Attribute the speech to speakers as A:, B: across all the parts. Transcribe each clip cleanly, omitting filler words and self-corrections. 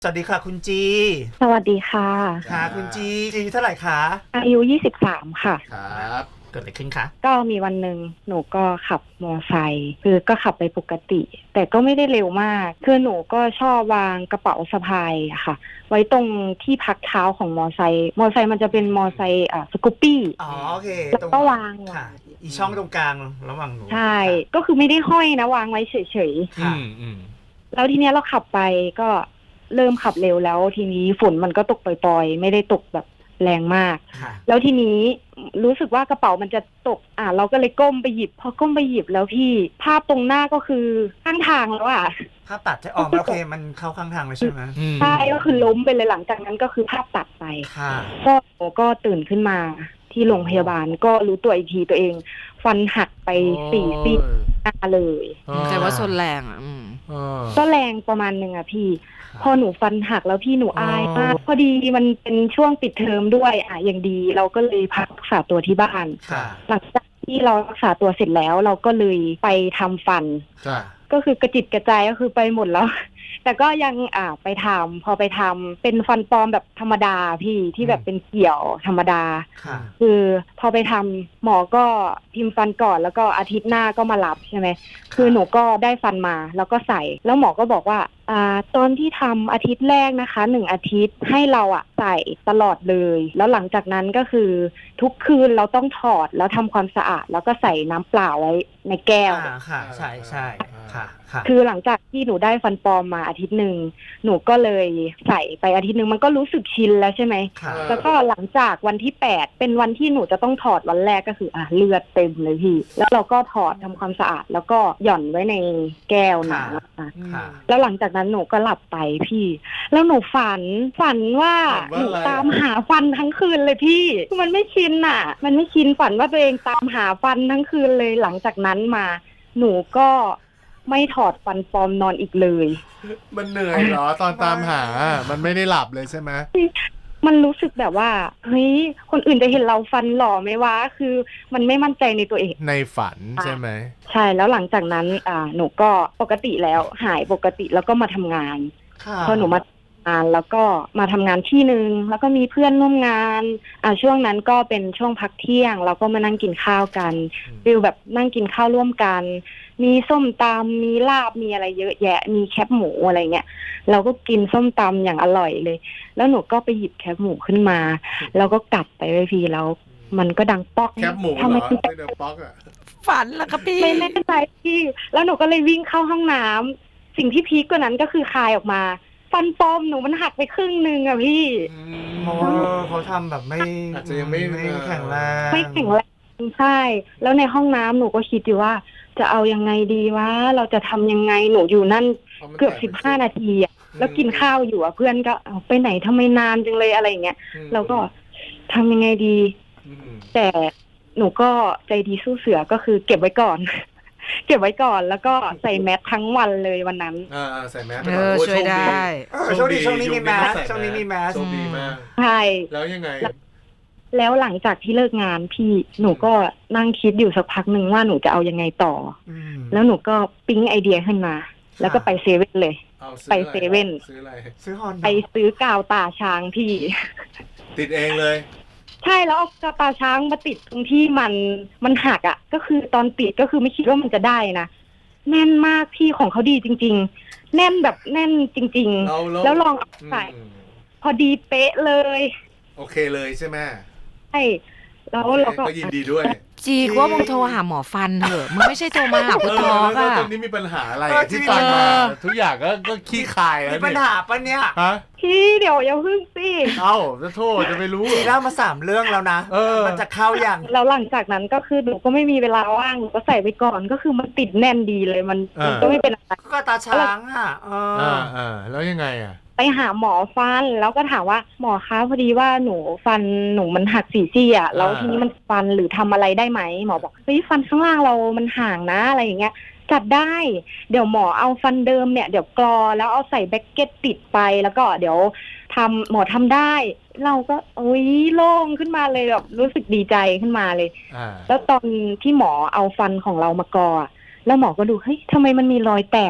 A: สวัสดีค่ะคุณจี
B: สวัสดีค่ะ
A: ค่ะคุณจีเท่าไหร่คะ
B: อายุ23ค่ะ
A: ครับเกิดอะไรขึ้นคะ
B: ก็มีวันหนึ่งหนูก็ขับมอไซค์คือก็ขับไปปกติ แต่ก็ไม่ได้เร็วมากคือหนูก็ชอบวางกระเป๋าสะพายอะค่ะไว้ตรงที่พักเท้าของมอไซค์มันจะเป็นมอไซค์สกูปปี้
A: อ๋อโอเค
B: แล้วก็วาง
A: ค่ะอีช่องตรงกลางระหว่างหนู
B: ใช่ก็คือไม่ได้ห้อยนะวางไว้เฉย
A: ๆค่ะ
B: แล้วทีเนี้ยเราขับไปก็เริ่มขับเร็วแล้วทีนี้ฝนมันก็ตกปล่อยๆไม่ได้ตกแบบแรงมากแล้วทีนี้รู้สึกว่ากระเป๋ามันจะตกเราก็เลยก้มไปหยิบพอก้มไปหยิบแล้วพี่ภาพตรงหน้าก็คือข้างทางแล้ว
A: ภาพตัดจะออกโอเคมันเข้าข้างทางเลยใช่ไหม
B: ใช่ก็คือล้มไปเลยหลังจากนั้นก็คือภาพตัดไป
A: ค่ะ
B: ก็ตื่นขึ้นมาที่โรงพยาบาลก็รู้ตัวอีกทีตัวเองฟันหักไป4 ซี่หน้าเลย
C: แต่ว่าส่วนแรง
B: ก็แรงประมาณนึงพี่พอหนูฟันหักแล้วพี่หนูอายมากพอดีมันเป็นช่วงปิดเทอมด้วยอย่างดีเราก็เลยพักรักษาตัวที่บ้านหลังจากที่เรารักษาตัวเสร็จแล้วเราก็เลยไปทำฟันก็คือกระจิตกระจายก็คือไปหมดแล้วแต่ก็ยังไปทำพอไปทำเป็นฟันปลอมแบบธรรมดาพี่ที่แบบเป็นเกี่ยวธรรมดาคือพอไปทำหมอก็พิมพ์ฟันก่อนแล้วก็อาทิตย์หน้าก็มารับใช่ไหมคือหนูก็ได้ฟันมาแล้วก็ใส่แล้วหมอก็บอกว่าตอนที่ทำอาทิตย์แรกนะคะ1 อาทิตย์ให้เราใส่ตลอดเลยแล้วหลังจากนั้นก็คือทุกคืนเราต้องถอดแล้วทำความสะอาดแล้วก็ใส่น้ำเปล่าไว้ในแก้ว
A: ค่ะใช่ใช่ค่ะ
B: คือหลังจากที่หนูได้ฟันปลอมมาอาทิตย์หนึ่งหนูก็เลยใส่ไปอาทิตย์หนึ่งมันก็รู้สึกชินแล้วใช่ไหมแล้วก็หลังจากวันที่8เป็นวันที่หนูจะต้องถอดวันแรกก็คือเลือดเต็มเลยพี่แล้วเราก็ถอดทำความสะอาดแล้วก็หย่อนไว้ในแก้วน้ำแล้วหลังจากนั้นหนูก็หลับไปพี่แล้วหนูฝันว่าหนูตามหาฟันทั้งคืนเลยพี่มันไม่ชินมันไม่ชินฝันว่าตัวเองตามหาฟันทั้งคืนเลยหลังจากนั้นมาหนูก็ไม่ถอดฟันปลอมนอนอีกเลย
D: มันเหนื่อยเหรอตอนตามหามันไม่ได้หลับเลยใช่ไหม
B: มันรู้สึกแบบว่าเฮ้ยคนอื่นจะเห็นเราฟันหล่อไหมวะคือมันไม่มั่นใจในตัวเอง
D: ในฝันใช่ไหม
B: ใช่แล้วหลังจากนั้นหนูก็ปกติแล้วหายปกติแล้วก็มาทำงานพอหนูมาแล้วก็มาทำงานที่นึงแล้วก็มีเพื่อนร่วมงานช่วงนั้นก็เป็นช่วงพักเที่ยงเราก็มานั่งกินข้าวกันฟิลแบบนั่งกินข้าวร่วมกันมีส้มตำมีลาบมีอะไรเยอะแยะมีแคบหมูอะไรเงี้ยเราก็กินส้มตำอย่างอร่อยเลยแล้วหนูก็ไปหยิบแคบหมูขึ้นมาแล้วก็กัดไปไว้พี่แล้วมันก็ดังป๊อก
D: แคบหมูเหรอไม่ได้ป๊อก
C: ฝันแล้วครับพี่
B: ไม่แน่ใจพี่แล้วหนูก็เลยวิ่งเข้าห้องน้ำสิ่งที่พีคกว่านั้นก็คือคายออกมาฟันปลอมหนูมันหักไปครึ่งนึงพี่
A: เพราะว่าเขาทำแบบ
D: อาจจะยังไม่
A: แข็งแรง
B: ใช่แล้วในห้องน้ำหนูก็คิดอยู่ว่าจะเอายังไงดีวะเราจะทำยังไงหนูอยู่นั่นเกือบ15 นาทีแล้วกินข้าวอยู่เพื่อนก็ไปไหนทำไมนานจังเลยอะไรอย่างเงี้ยเราก็ทำยังไงดีแต่หนูก็ใจดีสู้เสือก็คือเก็บไว้ก่อนแล้วก็ใส่แมสทั้งวันเลยวันนั้น
D: ใส่แมส
C: ช่วยได้
A: ช่วงนี้มีแมสช่วงนี้มีแมส
D: โชคดีมาก
B: ใช่
D: แล้วยังไง
B: แล้วหลังจากที่เลิกงานพี่หนูก็นั่งคิดอยู่สักพักหนึ่งว่าหนูจะเอายังไงต่อแล้วหนูก็ปิ๊งไอเดียขึ้นมาแล้วก็ไปเซเว่นเลยไปเซเว่น
D: ซื้ออะไร
B: ไปซื้อกาวตาช้างพี่
D: ติดเองเลย
B: ใช่แล้วเอากาวตาช้างมาติดตรงที่มันหักก็คือตอนติดก็คือไม่คิดว่ามันจะได้นะแน่นมากพี่ของเขาดีจริงๆแน่นแบบแน่นจริงๆแล้วลองใส่พอดีเป๊ะเลย
D: โอเคเลยใช่ไหม
B: ใช่แล้วเราก็
D: ยินดีด้วย
C: จีกว่ามึงโทรหาหมอฟันเถอะมึงไม่ใช่โทรมาหาคุณทอ
D: ค่ะตอนนี้มีปัญหาอะไรที่ฟันมาทุกอย่างก็ขี้คายแล้ว
A: มีปัญหาปะเนี่ย
B: พี่เดี๋ยวอย่าพึ่งสิ
D: จะโทษจะไปรู้
A: จีเล่ามา3 เรื่องแล้วนะมันจะเข้าอย่าง
B: แล้วหลังจากนั้นก็คือหนูก็ไม่มีเวลาว่างก็ใส่ไปก่อนก็คือมันติดแน่นดีเลยมันก็ไม่เป็นอะไร
A: ก็ตาช้าง
D: แล้วยังไง
B: ไปหาหมอฟันแล้วก็ถามว่าหมอคะพอดีว่าหนูฟันหนูมันหัก4 ซี่แล้วทีนี้มันฟันหรือทำอะไรได้ไหมหมอบอกเฮ้ยฟันข้างล่างเรามันห่างนะอะไรอย่างเงี้ยจัดได้เดี๋ยวหมอเอาฟันเดิมเนี่ยเดี๋ยวกรอแล้วเอาใส่แบ็กเก็ตติดไปแล้วก็เดี๋ยวหมอทำได้เราก็โล่งขึ้นมาเลยแบบรู้สึกดีใจขึ้นมาเลยแล้วตอนที่หมอเอาฟันของเรามากรอแล้วหมอก็ดูเฮ้ยทำไมมันมีรอยแตก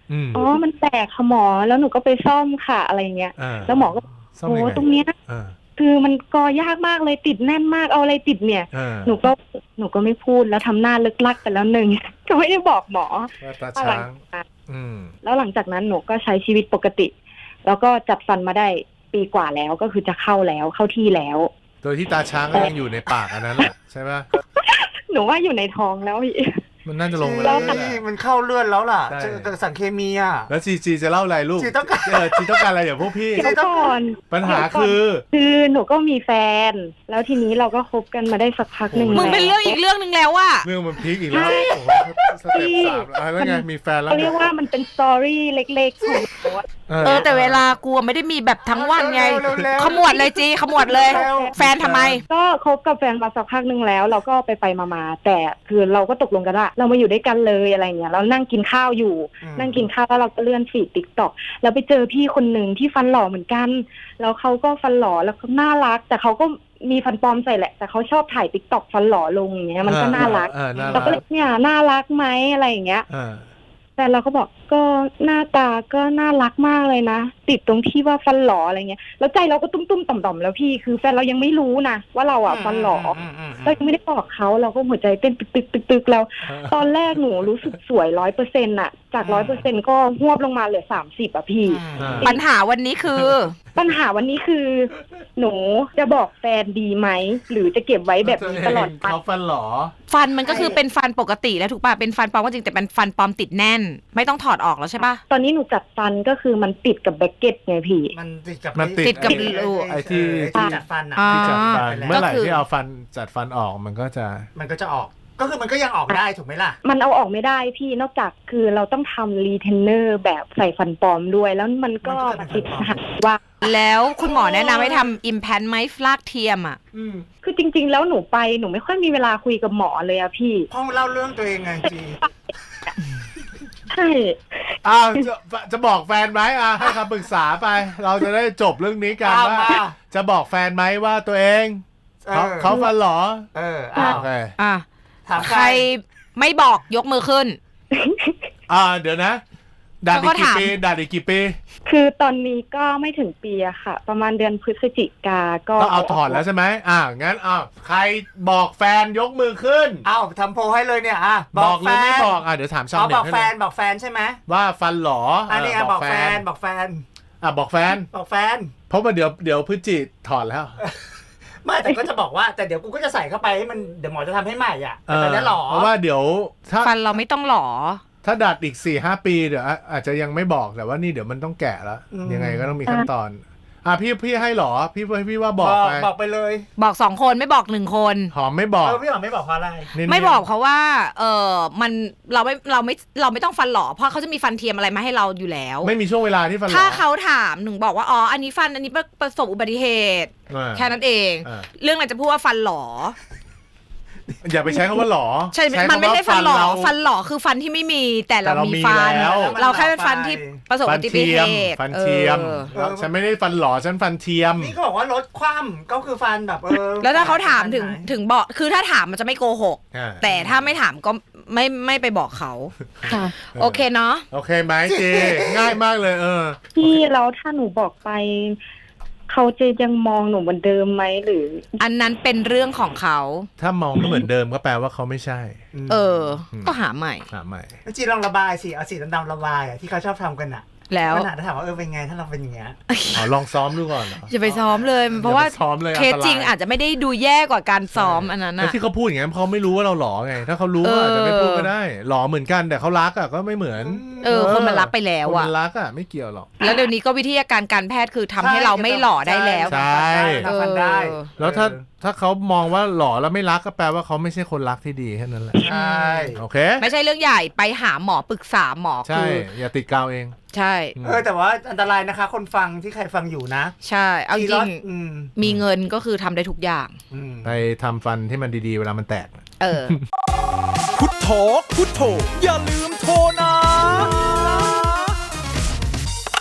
B: อ๋อมันแตกค่ะหมอแล้วหนูก็ไปซ่อมค่ะอะไรเงี้ยแล้วหมอก็โอ้ตรงเนี้ยคือมันกอยากมากเลยติดแน่นมากเอาอะไรติดเนี่ยหนูก็ไม่พูดแล้วทำหน้าลึกลักไปแล้วหนึ่ง ก็ไม่ได้บอกหมอ
D: ตาช้าง
B: แล้วหลังจากนั้นหนูก็ใช้ชีวิตปกติ แล้วก็จัดฟันมาได้ปีกว่าแล้วก็คือจะเข้าที่แล้ว
D: โดยที่ตาช้างก็ยังอยู่ในปากอันนั้นแหละใช่ไหม
B: หนูว่าอยู่ในท้องแล้วพี่
D: มันน่าจะลงไปแล้ว
A: มันเข้าเลือดแล้วล่ะสารเคมีอ่ะ
D: แล้วจีจะเล่าอะไรลูกจีต้องการอะไรอย่างพวกพี่ปัญหาคือ
B: หนูก็มีแฟนแล้วทีนี้เราก็คบกันมาได้สักพักหนึ่ง
C: มึงเป็นเรื่องอีกเรื่องนึงแล้วว่ะ
D: เรื่องมันพีคอีกแล้วสเต็ป3แล้วไงมีแฟนแล้ว
B: เรียกว่ามันเป็นสตอรี่เล็กๆของหนู
C: แต่เวลากูไม่ได้มีแบบทั้งวันไงขมวดเลยจีขมวดเลยแฟนทำไม
B: ก็คบกับแฟนมาสักพักหนึ่งแล้วเราก็ไปมาแต่คือเราก็ตกลงกันว่าเรามาอยู่ด้วยกันเลยอะไรเงี้ยเรานั่งกินข้าวอยู่นั่งกินข้าวแล้วเราก็เลื่อนฟีด TikTok แล้วไปเจอพี่คนหนึ่งที่ฟันหล่อเหมือนกันแล้วเขาก็ฟันหล่อแล้วก็น่ารักแต่เขาก็มีฟันปลอมใส่แหละแต่เขาชอบถ่าย TikTok ฟันหล่อลงอย่างเงี้ยมันก็น่ารักเราก็เลยเนี่ยน่ารักไหมอะไรอย่างเงี้ยแต่เราก็บอกก็หน้าตาก็น่ารักมากเลยนะติดตรงที่ว่าฟันหล่ออะไรเงี้ยแล้วใจเราก็ตุ้มๆต่อมๆแล้วพี่คือแฟนเรายังไม่รู้นะว่าเราฟันหล่อเรายังไม่ได้บอกเขาเราก็หัวใจเต้นตึกๆแล้วตอนแรกหนูรู้สึกสวย 100% อ่ะจาก 100% ก็หวบลงมาเหลือ30อ่ะพี่
C: ปัญหาวันนี้คือ
B: หนูจะบอกแฟนดีไหมหรือจะเก็บไว้แบบนี้ตลอดไป
D: เขาฟันหล่อ
C: ฟันมันก็คือเป็นฟันปกติแล้วถูกป่ะเป็นฟันปลอมก็จริงแต่เป็นฟันปลอมติดแน่นไม่ต้องถอดออกแล้วใช่ป่ะ
B: ตอนนี้หนูจัดฟันก็คือมันติดกับแบคเก็ตไงพี่
A: มันติดกับ
C: รู
D: ไอ้ที่
A: จัดฟัน
D: ที่จัดฟันเมื่อไหร่ที่เอาฟันจัดฟันออกมันก็จะ
A: ออกก็คือมันก็ยังออกได้ถูกไหมล่ะ
B: มันเอาออกไม่ได้พี่นอกจากคือเราต้องทำรีเทนเนอร์แบบใส่ฟันปลอมด้วยแล้วมันก็ติดปัญหาว่า
C: แล้วคุณหมอแนะนำให้ทำ implant ไหมฟลากเทียมอ่ะ
B: คือจริงๆแล้วหนูไม่ค่อยมีเวลาคุยกับหมอเลยอะพี่
A: พ่อเล่าเรื่องตัวเองไงจี
B: ใช่
D: จะบอกแฟนไหมให้คำปรึกษาไปเราจะได้จบเรื่องนี้กันว่าจะบอกแฟนไหมว่าตัวเองเขาฟันหรอโอเค
C: ใครไม่บอกยกมือขึ้น
D: เดี๋ยวนะด่าอีกกี่ปี
B: คือตอนนี้ก็ไม่ถึงปีอะค่ะประมาณเดือนพฤศจิกาก็
D: เอาถอดแล้วใช่ไหมงั้นใครบอกแฟนยกมือขึ้น
A: ทำโพลให้เลยเนี่ย
D: บอกหรือไม่บอกเดี๋ยวถามชาวเน็ต
A: บอกแฟนใช่ไหม
D: ว่าฟันหรอ
A: นี่บอกแฟน
D: บอกแฟนเพราะว่าเดี๋ยวพฤศจิถอดแล้ว
A: ไม่แต่ก็จะบอกว่าแต่เดี๋ยวกูก็จะใส่เข้าไปให้มันเดี๋ยวหมอจะทำให้ใหม่แต่ตอนนี้หรอ
D: เพราะว่าเดี๋ยวถ้า
C: ฟันเราไม่ต้องหรอ
D: ถ้าดัดอีก 4-5 ปีเดี๋ยวอาจจะยังไม่บอกแต่ว่านี่เดี๋ยวมันต้องแกะแล้วยังไงก็ต้องมีขั้นตอนพี่ให้หรอพี่ว่าบอก
A: ไปเลย
C: บอก2คนไม่บอก1คน
D: หอมไม่บอก
A: พี่หอมไม่บอกเพราะอะไร
C: ไม่บอกเพราะว่ามันเราไม่ต้องฟันหล่อเพราะเขาจะมีฟันเทียมอะไรมาให้เราอยู่แล้ว
D: ไม่มีช่วงเวลาที่ฟันหล่อ
C: ถ้าเขาถามหนึ่งบอกว่าอันนี้ประสบอุบัติเหตุแค่นั้นเองเรื่องอะไรจะพูดว่าฟันหล่อ
D: อย่าไปใช้คำว่าหล่อ
C: ใช่มันไม่ใช่ฟันหล่อคือฟันที่ไม่มีแต่เรามีฟันเราแค่เป็นฟันที่ประสบอุบัติเหตุ
D: ฟันเทียมฉันไม่ได้ฟันหล่อฉันฟันเทียม
A: นี่เขาบอกว่าลดความก็คือฟันแบบ
C: แล้วถ้าเขาถามถึงบอกคือถ้าถามมันจะไม่โกหกแต่ถ้าไม่ถามก็ไม่ไปบอกเขาโอเคเนาะ
D: โอเคไหมเจง่ายมากเลย
B: พี่แล้วถ้าหนูบอกไปเขาจะยังมองหนูเหมือนเดิมไหมหรือ
C: อันนั้นเป็นเรื่องของเขา
D: ถ้ามองไม่เหมือนเดิมก็แปลว่าเขาไม่ใช่
C: ก็หาใหม่
A: จีลองระบายสิเอาสีดำๆระบายที่เขาชอบทำกัน
C: แล้ว
A: ขนาดถามว่าเป็นไงถ้าเราเป็นอย่างเงี้ย
D: ลองซ้อมดูก่อน
C: อย่าไปซ้อมเลยเพราะว่าเคสจริงอาจจะไม่ได้ดูแย่กว่าการซ้อมอันนั้น
D: ที่เขาพูดอย่างนั้นเขาไม่รู้ว่าเราหล่อไงถ้าเขารู้อาจจะไม่พูดก็ได้หล่อเหมือนกันแต่เขารักก็ไม่เหมือน
C: คนมันรักไปแล้ว
D: คนมันรักไม่เกี่ยวหรอก
C: แล้วเดี๋ยวนี้ก็วิทยาการแพทย์คือทำให้เราไม่หล่อได้แล้ว
D: ใช่
A: ได้
D: แล้วถ้าเขามองว่าหล่อแล้วไม่รักก็แปลว่าเขาไม่ใช่คนรักที่ดีแค่นั้นแหละ
A: ใช่
D: โอเค
C: ไม่ใช่เรื่องใหญ่ไปหาหมอปรึกษาหมอ
D: ใช่อย่าติดกาวเอง
C: ใช่
A: แต่ว่าอันตรายนะคะคนฟังที่ใครฟังอยู่นะ
C: ใช่เอาจริงมีเงินก็คือทำได้ทุกอย่าง
D: ไปทำฟันที่มันดีๆเวลามันแตก
E: พุทโธอย่าลืมโทร